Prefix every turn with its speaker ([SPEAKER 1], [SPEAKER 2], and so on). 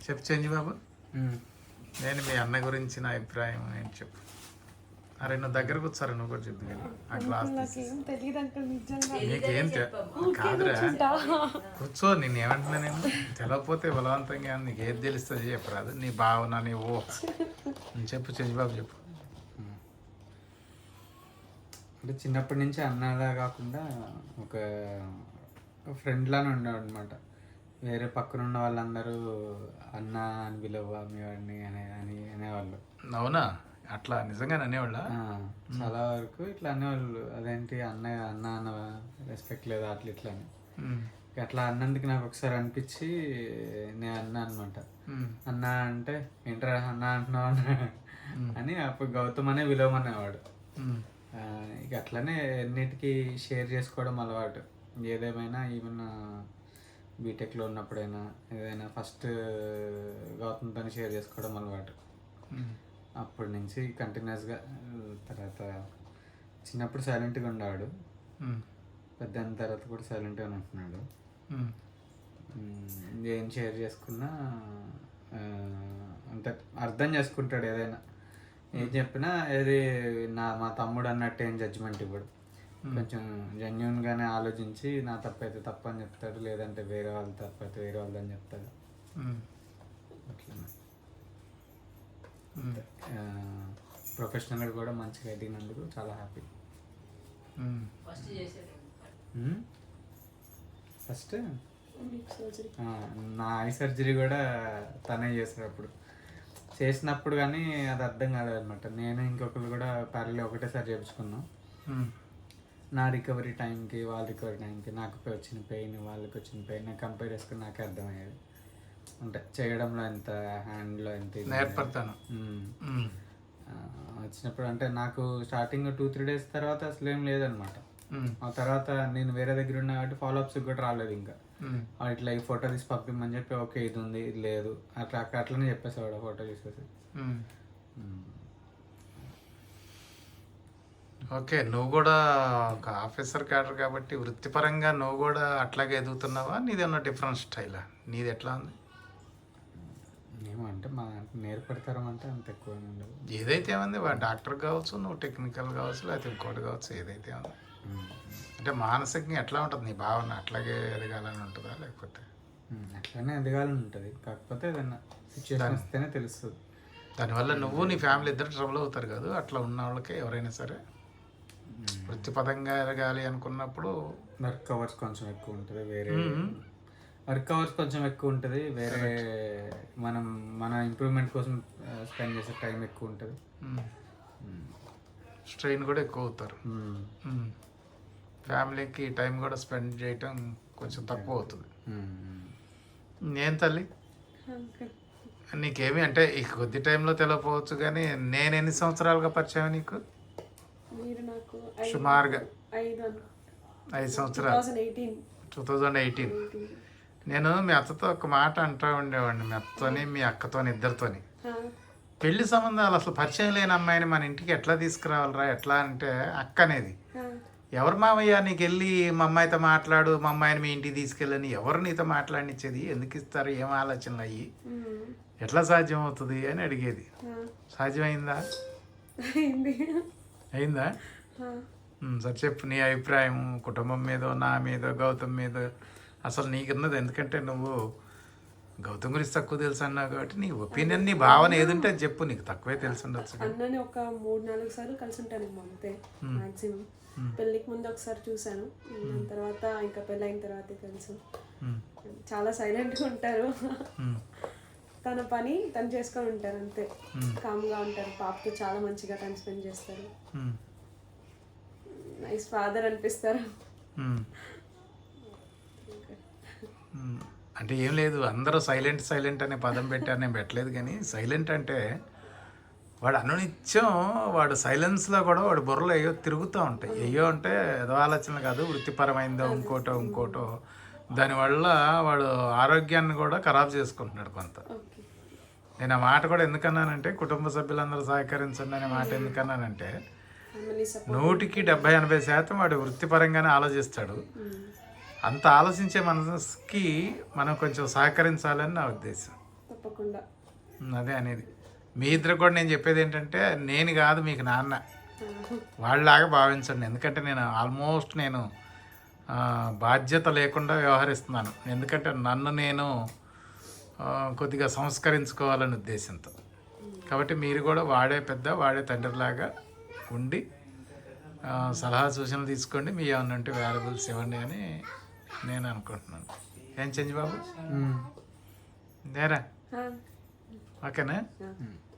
[SPEAKER 1] చెప్పు చెంజి బాబు. నేను మీ అన్న గురించి నా అభిప్రాయం ఏంటి చెప్పు. అరే నువ్వు దగ్గర కూర్చోరా, నువ్వు కూడా చెప్పు. ఆ గ్లాస్ నీకేం కాదురా, కూర్చో. నేను ఏమంటున్నా, నేను తెలవకపోతే బలవంతంగా నీకు ఏది తెలుస్తుంది చెప్పరాదు. నీ భావన నీ ఊహ చెప్పు చెంజి బాబు చెప్పు.
[SPEAKER 2] అంటే చిన్నప్పటి నుంచి అన్నలా కాకుండా ఒక ఫ్రెండ్ లానే ఉండేవాడు అనమాట. వేరే పక్కన ఉన్న వాళ్ళందరూ అన్న అని పిలవ మీ వాడిని అనేవాళ్ళు.
[SPEAKER 1] అవునా? అట్లా నిజంగానే అనేవాళ్ళ?
[SPEAKER 2] చాలా వరకు ఇట్లా అనేవాళ్ళు. అదేంటి అన్న అన్న రెస్పెక్ట్ లేదా అట్లా ఇట్లా అని. అట్లా అన్నందుకు నాకు ఒకసారి అనిపించి నేను అన్నా అనమాట. అన్న అంటే ఏంట్రా అన్న అంటున్నావు అని అప్పుడు గౌతమ్ అనే విలువమనేవాడు. ఇక అట్లనే ఎన్నిటికీ షేర్ చేసుకోవడం అలవాటు. ఏదేమైనా ఈవెన్ బీటెక్లో ఉన్నప్పుడైనా ఏదైనా ఫస్ట్ గౌతమ్తో షేర్ చేసుకోవడం అలవాటు. అప్పటి నుంచి కంటిన్యూస్గా. తర్వాత చిన్నప్పుడు సైలెంట్గా ఉండేవాడు, పెద్ద తర్వాత కూడా సైలెంట్గానే ఉంటున్నాడు. ఏం షేర్ చేసుకున్నా అంటే అర్థం చేసుకుంటాడు. ఏదైనా ఏం చెప్పినా ఏది మా తమ్ముడు అన్నట్టు ఏం జడ్జిమెంట్ ఇవ్వడు. కొంచెం జెన్యున్గానే ఆలోచించి నా తప్పైతే తప్పు అని చెప్తాడు, లేదంటే వేరే వాళ్ళ తప్పైతే వేరే వాళ్ళని చెప్తాడు. అట్లా ప్రొఫెషనల్గా కూడా మంచిగా ఎదిగినందుకు చాలా హ్యాపీ. ఫస్ట్ నా ఐ సర్జరీ కూడా తనే చేశాడు. అప్పుడు చేసినప్పుడు కానీ అది అర్థం కాలేదన్నమాట. నేను ఇంకొకరు కూడా ప్యారలీ ఒకటేసారి చేయించుకున్నాం. నా రికవరీ టైంకి వాళ్ళ రికవరీ టైంకి నాకు వచ్చిన పెయిన్ వాళ్ళకి వచ్చిన పెయిన్ నాకు కంపేర్ చేసుకుని నాకే అర్థమయ్యేది. అంటే చేయడంలో ఎంత, హ్యాండ్లో ఎంత
[SPEAKER 1] నేర్పడతాను
[SPEAKER 2] వచ్చినప్పుడు. అంటే నాకు స్టార్టింగ్ 2-3 days తర్వాత అసలు ఏం లేదనమాట. ఆ తర్వాత నేను వేరే దగ్గర ఉన్నా కాబట్టి ఫాలోఅప్స్ కూడా రాలేదు. ఇంకా ఇట్లా ఈ ఫోటో తీసి పంపిమ్మని చెప్పి ఓకే ఇది ఉంది ఇది లేదు అట్లనే చెప్పేసేవాడు ఫోటో తీసేసి.
[SPEAKER 1] ఓకే, నువ్వు కూడా ఒక ఆఫీసర్ క్యాడర్ కాబట్టి వృత్తిపరంగా నువ్వు కూడా అట్లాగే ఎదుగుతున్నావా? నీది ఏమన్నా డిఫరెంట్ స్టైలా? నీది ఎట్లా ఉంది?
[SPEAKER 2] ఏమంటే మా నేర్పడతారు అంటే అంత ఎక్కువ ఉండదు.
[SPEAKER 1] ఏదైతే ఉంది డాక్టర్ కావచ్చు, నువ్వు టెక్నికల్ కావచ్చు, లేకపోతే ఇంకోటి కావచ్చు, ఏదైతే ఉంది. అంటే మానసికంగా ఎట్లా ఉంటుంది నీ భావన? అట్లాగే ఎదగాలని ఉంటుందా లేకపోతే?
[SPEAKER 2] అట్లానే ఎదగాలని ఉంటుంది, కాకపోతే ఏదైనా సిచ్యువేషన్ వస్తేనే తెలుస్తుంది.
[SPEAKER 1] దానివల్ల నువ్వు నీ ఫ్యామిలీ ఇద్దరు ట్రబుల్ అవుతారు కదా. అట్లా ఉన్న వాళ్ళకి ఎవరైనా సరే వృత్తిపరంగా ఎదగాలి అనుకున్నప్పుడు
[SPEAKER 2] వర్క్ అవర్స్ కొంచెం ఎక్కువ ఉంటుంది. వేరే మన ఇంప్రూవ్మెంట్ కోసం స్పెండ్ చేసే టైం ఎక్కువ ఉంటుంది.
[SPEAKER 1] స్ట్రెయిన్ కూడా ఎక్కువ అవుతారు. ఫ్యామిలీకి టైం కూడా స్పెండ్ చేయటం కొంచెం తక్కువ అవుతుంది. నేను తల్లి నీకేమి అంటే ఈ కొద్ది టైంలో తెలియకపోవచ్చు కానీ నేను ఎన్ని సంవత్సరాలుగా పరిచయం నీకు? సుమారుగా 5 సంవత్సరాలు. 2018. నేను మీ అత్తతో ఒక మాట అంటూ ఉండేవాడిని. మీ అత్తతోని మీ అక్కతోని ఇద్దరితోని పెళ్లి సంబంధాలు అసలు పరిచయం లేని అమ్మాయిని మన ఇంటికి ఎట్లా తీసుకురావాలరా? ఎట్లా అంటే అక్క అనేది ఎవరు మావయ్య నీకు వెళ్ళి మా అమ్మాయితో మాట్లాడు, మా అమ్మాయిని మీ ఇంటికి తీసుకెళ్ళని ఎవరు నీతో మాట్లాడినిచ్చేది? ఎందుకు ఇస్తారు? ఏం ఆలోచనలు అయ్యి ఎట్లా సాధ్యం అవుతుంది అని అడిగేది. సాధ్యమైందా? అయిందా? సరే చెప్పు నీ అభిప్రాయం కుటుంబం మీదో, నా మీదో, గౌతమ్ మీదో. అసలు నీకున్నది ఎందుకంటే నువ్వు గౌతమ్ గురించి తక్కువ తెలుసు అన్నావు కాబట్టి నీ ఒపీనియన్, నీ భావన ఏదంటే అది చెప్పు. నీకు తక్కువే తెలిసి ఉండొచ్చు.
[SPEAKER 3] అన్నని ఒక 3-4 సార్లు కలిసి ఉంటాను అంతే మాక్సిమం. పెళ్ళికి ముందు ఒకసారి చూసాను, తర్వాత ఇంకా పెళ్ళి అయిన తర్వాతే తెలుసు. చాలా సైలెంట్గా ఉంటారు, తన పని తను చేసుకొని ఉంటారు అంతే. కామ్గా ఉంటారు, పాపతో చాలా మంచిగా టైం స్పెండ్ చేస్తారు. నైస్ ఫాదర్ అనిపిస్తారు.
[SPEAKER 1] అంటే ఏం లేదు, అందరూ సైలెంట్ అనే పదం పెట్టారు, నేను పెట్టలేదు. కానీ సైలెంట్ అంటే వాడు అనునిత్యం వాడు సైలెన్స్లో కూడా వాడు బుర్రలో ఏయో తిరుగుతూ ఉంటాయి. ఏయో అంటే ఏదో ఆలోచనలు కాదు, వృత్తిపరమైందో ఇంకోటో దానివల్ల వాడు ఆరోగ్యాన్ని కూడా ఖరాబ్ చేసుకుంటున్నాడు కొంత. నేను ఆ మాట కూడా ఎందుకన్నానంటే కుటుంబ సభ్యులందరూ సహకరించండి అనే మాట ఎందుకన్నానంటే 100-80% వాడు వృత్తిపరంగానే ఆలోచిస్తాడు. అంత ఆలోచించే మనసుకి మనం కొంచెం సహకరించాలని నా ఉద్దేశం.
[SPEAKER 3] కాకుండా.
[SPEAKER 1] అదే అనేది మీ ఇద్దరు కూడా నేను చెప్పేది ఏంటంటే నేను కాదు మీకు నాన్న వాళ్ళలాగా భావించండి. ఎందుకంటే నేను ఆల్మోస్ట్ నేను బాధ్యత లేకుండా వ్యవహరిస్తున్నాను. ఎందుకంటే నన్ను నేను కొద్దిగా సంస్కరించుకోవాలనే ఉద్దేశంతో. కాబట్టి మీరు కూడా వాడే పెద్ద వాడే తండ్రిలాగా ఉండి సలహా సూచనలు తీసుకోండి. మీ ఏమన్నా ఉంటే వాల్యుబుల్స్ ఇవ్వండి అని నేను అనుకుంటున్నాను. ఏం చెంచి బాబు నేరా ఓకేనా?